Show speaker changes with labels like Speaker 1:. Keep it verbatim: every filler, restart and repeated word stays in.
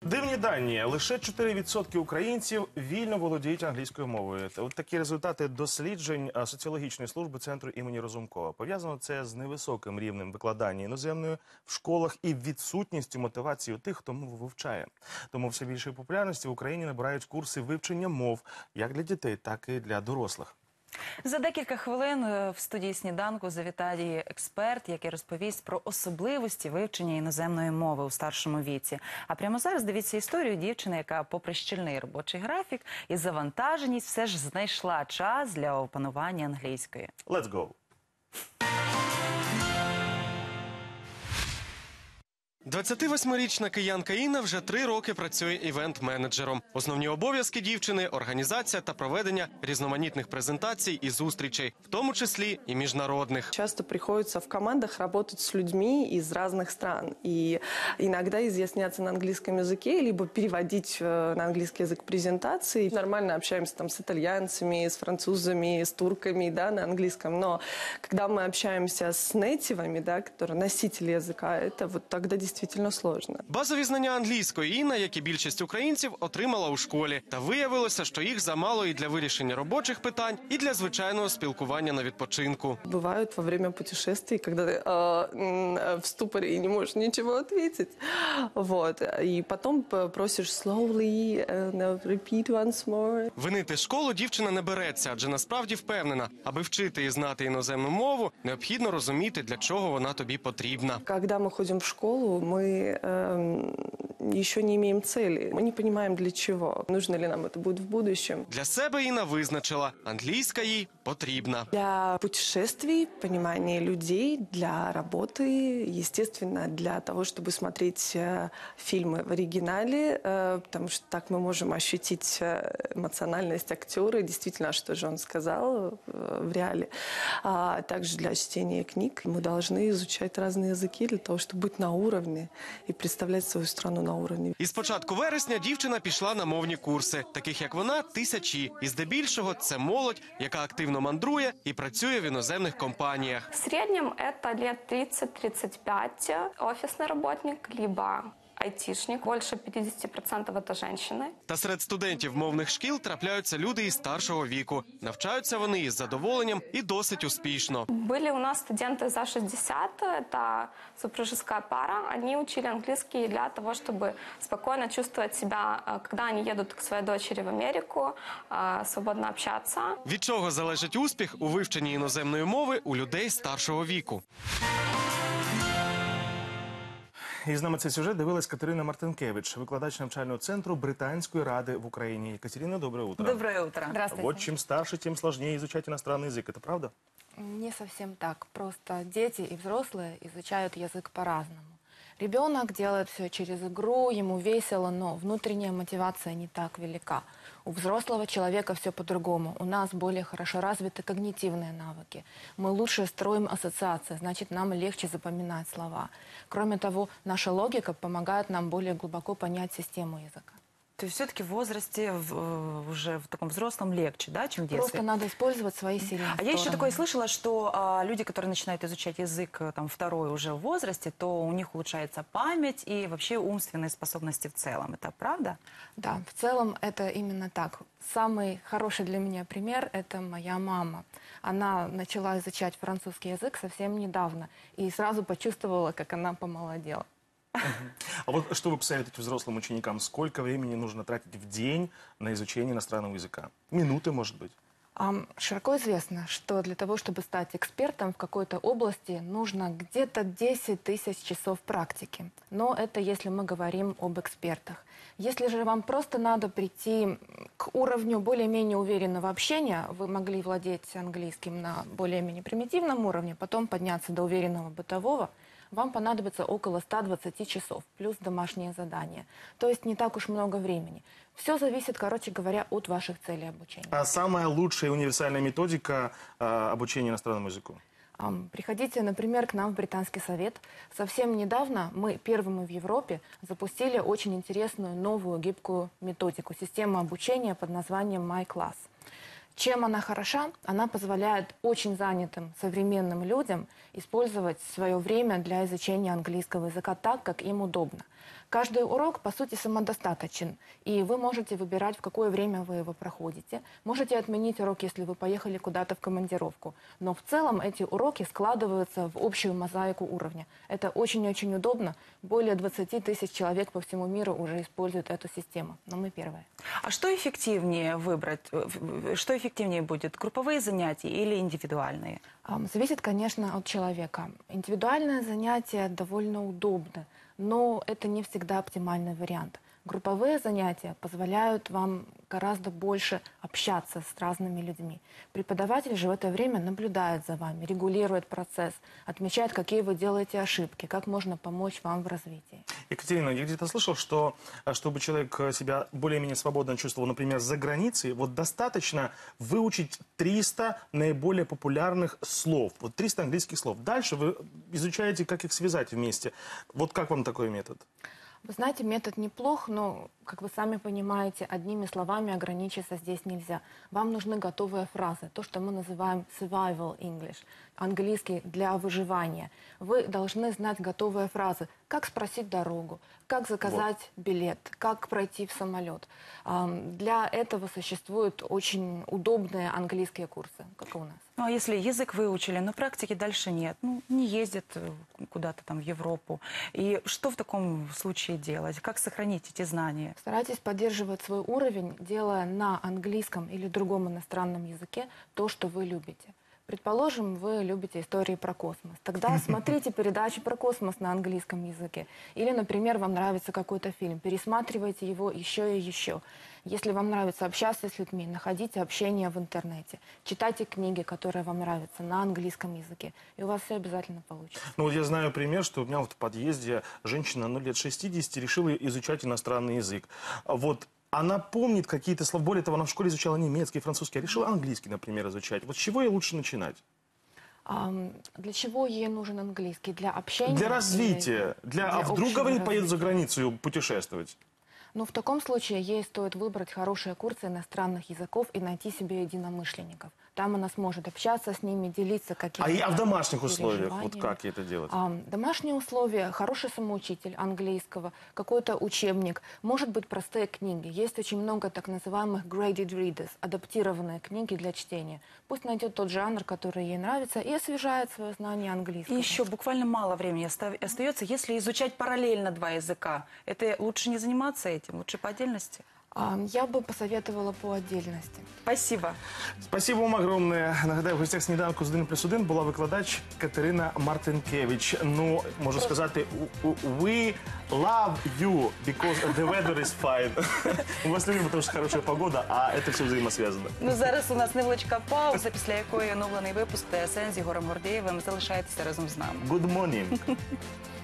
Speaker 1: Дивні дані. Лише чотири відсотки українців вільно володіють англійською мовою. От такі результати досліджень соціологічної служби Центру імені Разумкова. Пов'язано це з невисоким рівнем викладання іноземною в школах і відсутністю мотивації у тих, хто мову вивчає. Тому все більшої популярності в Україні набирають курси вивчення мов як для дітей, так і для дорослих.
Speaker 2: За декілька хвилин в студії «Сніданку» завітає експерт, який розповість про особливості вивчення іноземної мови у старшому віці. А прямо зараз дивіться історію дівчини, яка попри щільний робочий графік і завантаженість все ж знайшла час для опанування англійської.
Speaker 1: Let's go!
Speaker 3: двадцятивосьмирічна киянка Інна вже три роки працює івент-менеджером. Основні обов'язки дівчини – організація та проведення різноманітних презентацій і зустрічей, в тому числі і міжнародних.
Speaker 4: Часто приходится в командах работать с людьми из разных стран. И иногда изъясняться на английском языке, либо переводить на английский язык презентации. Нормально общаемся там с итальянцами, с французами, с турками, да, на английском. Но когда мы общаемся с нейтивами, да, которые носители языка, это вот тогда действительно Дійсно сложно.
Speaker 3: Базові знання англійської Інна, як і більшість українців, отримала у школі. Та виявилося, що їх замало і для вирішення робочих питань, і для звичайного спілкування на відпочинку.
Speaker 4: Бувають во время путешествий, коли ти э, в ступорі і не можеш нічого відповідати. Вот. І потім просиш slowly, uh, repeat once more.
Speaker 3: Винити школу дівчина не береться, адже насправді впевнена, аби вчити і знати іноземну мову, необхідно розуміти, для чого вона тобі потрібна.
Speaker 4: Коли ми ходимо в школу, мы э, еще не имеем цели. Мы не понимаем, для чего. Нужно ли нам это будет в будущем.
Speaker 3: Для себе Інна визначила – англійська їй потрібна.
Speaker 4: Для путешествий, понимания людей, для работы, естественно, для того, чтобы смотреть э, фильмы в оригинале, э, потому что так мы можем ощутить эмоциональность актера, действительно, что же он сказал э, в реале. А также для чтения книг мы должны изучать разные языки для того, чтобы быть на уровне і представляти свою страну на уровні.
Speaker 3: Із початку вересня дівчина пішла на мовні курси. Таких, як вона, тисячі. І здебільшого це молодь, яка активно мандрує і працює в іноземних компаніях.
Speaker 5: В середньому це лет тридцать-тридцать пять офісний працівник, либо айтішник. Більше п'ятдесят відсотків – це жінки.
Speaker 3: Та серед студентів мовних шкіл трапляються люди із старшого віку. Навчаються вони із задоволенням і досить успішно.
Speaker 5: Були у нас студенти за шістдесят, це супружеская пара. Вони вчили англійський для того, щоб спокійно чувствувати себе, коли вони їдуть к своїй дочері в Америку, свободно общатися.
Speaker 3: Від чого залежить успіх у вивченні іноземної мови у людей старшого віку?
Speaker 1: І з нами цей сюжет дивилась Катерина Мартинкевич, викладач навчального центру Британської ради в Україні. Екатерина, доброе утро.
Speaker 2: Доброе утро.
Speaker 6: Здравствуйте.
Speaker 1: Вот чем старше, тем сложнее изучать иностранный язык. Это правда?
Speaker 6: Не совсем так. Просто дети и взрослые изучают язык по-разному. Ребенок делает все через игру, ему весело, но внутренняя мотивация не так велика. У взрослого человека все по-другому. У нас более хорошо развиты когнитивные навыки. Мы лучше строим ассоциации, значит, нам легче запоминать слова. Кроме того, наша логика помогает нам более глубоко понять систему языка.
Speaker 2: То есть все-таки в возрасте, в, уже в таком взрослом легче, да, чем в детстве?
Speaker 6: Просто надо использовать свои сильные
Speaker 2: А
Speaker 6: стороны.
Speaker 2: я еще такое слышала, что а, люди, которые начинают изучать язык там, второй уже в возрасте, то у них улучшается память и вообще умственные способности в целом. Это правда?
Speaker 6: Да, в целом это именно так. Самый хороший для меня пример – это моя мама. Она начала изучать французский язык совсем недавно и сразу почувствовала, как она помолодела.
Speaker 1: А вот что вы посоветуете взрослым ученикам? Сколько времени нужно тратить в день на изучение иностранного языка? Минуты, может быть?
Speaker 6: Широко известно, что для того, чтобы стать экспертом в какой-то области, нужно где-то десять тысяч часов практики. Но это если мы говорим об экспертах. Если же вам просто надо прийти к уровню более-менее уверенного общения, вы могли владеть английским на более-менее примитивном уровне, потом подняться до уверенного бытового, вам понадобится около ста двадцати часов, плюс домашние задания. То есть не так уж много времени. Все зависит, короче говоря, от ваших целей обучения.
Speaker 1: А самая лучшая универсальная методика э, обучения иностранному языку?
Speaker 6: Приходите, например, к нам в Британский совет. Совсем недавно мы первыми в Европе запустили очень интересную новую гибкую методику, систему обучения под названием MyClass. Чем она хороша? Она позволяет очень занятым современным людям использовать свое время для изучения английского языка так, как им удобно. Каждый урок, по сути, самодостаточен, и вы можете выбирать, в какое время вы его проходите. Можете отменить урок, если вы поехали куда-то в командировку. Но в целом эти уроки складываются в общую мозаику уровня. Это очень-очень удобно. Более двадцати тысяч человек по всему миру уже используют эту систему. Но мы первые.
Speaker 2: А что эффективнее выбрать? э, Что эффективнее будет? Групповые занятия или индивидуальные?
Speaker 6: Ам, Зависит, конечно, от человека. Индивидуальное занятие довольно удобно, но это не всегда оптимальный вариант. Групповые занятия позволяют вам гораздо больше общаться с разными людьми. Преподаватель же в это время наблюдает за вами, регулирует процесс, отмечает, какие вы делаете ошибки, как можно помочь вам в развитии.
Speaker 1: Екатерина, я где-то слышал, что а, чтобы человек э, себя более-менее свободно чувствовал, например, за границей, вот достаточно выучить триста наиболее популярных слов, вот триста английских слов. Дальше вы изучаете, как их связать вместе. Вот как вам такой метод?
Speaker 6: Вы знаете, метод неплох, но, как вы сами понимаете, одними словами ограничиться здесь нельзя. Вам нужны готовые фразы, то, что мы называем survival English, английский для выживания. Вы должны знать готовые фразы, как спросить дорогу, как заказать билет, как пройти в самолет. Ам, Для этого существуют очень удобные английские курсы, как и у нас.
Speaker 2: Ну, а если язык выучили, но практики дальше нет, ну, не ездят э, куда-то там в Европу, и что в таком случае делать? Как сохранить эти знания?
Speaker 6: Старайтесь поддерживать свой уровень, делая на английском или другом иностранном языке то, что вы любите. Предположим, вы любите истории про космос. Тогда смотрите передачи про космос на английском языке. Или, например, вам нравится какой-то фильм, пересматривайте его еще и еще. Если вам нравится общаться с людьми, находите общение в интернете. Читайте книги, которые вам нравятся, на английском языке. И у вас все обязательно получится.
Speaker 1: Ну вот я знаю пример, что у меня вот в подъезде женщина, ну, лет шестидесяти, решила изучать иностранный язык. Вот она помнит какие-то слова, более того, она в школе изучала немецкий, французский, а решила английский, например, изучать. Вот с чего ей лучше начинать?
Speaker 6: Ам, Для чего ей нужен английский? Для общения?
Speaker 1: Для
Speaker 6: или
Speaker 1: развития. Для... А вдруг,
Speaker 6: общего
Speaker 1: говорит, поедет за
Speaker 6: развития?
Speaker 1: границу путешествовать?
Speaker 6: Ну, в таком случае ей стоит выбрать хорошие курсы иностранных языков и найти себе единомышленников. Там она сможет общаться с ними, делиться
Speaker 1: А,
Speaker 6: какими-то
Speaker 1: и, а в домашних условиях, вот
Speaker 6: переживаниями.
Speaker 1: как ей это делать?
Speaker 6: А, домашние условия, хороший самоучитель английского, какой-то учебник, может быть, простые книги. Есть очень много так называемых graded readers, адаптированные книги для чтения. Пусть найдет тот жанр, который ей нравится, и освежает свое знание
Speaker 2: И
Speaker 6: английского.
Speaker 2: еще буквально мало времени оста- остается, если изучать параллельно два языка. Это лучше не заниматься этим, лучше по отдельности?
Speaker 6: А, я бы посоветовала по отдельности.
Speaker 2: Спасибо.
Speaker 1: Спасибо вам огромне. Нагадаю, в гостях сніданку з один плюс один була викладач Катерина Мартинкевич. Ну, можу сказати, у- у- we love you because the weather is fine. Мы вас любим, потому что хорошая погода, а это все взаимосвязано.
Speaker 2: Ну, зараз у нас невеличка пауза, після якої оновлений випуск ТСН з Ігорем Гордєєвим. Залишайтеся разом з нами.
Speaker 1: Good morning.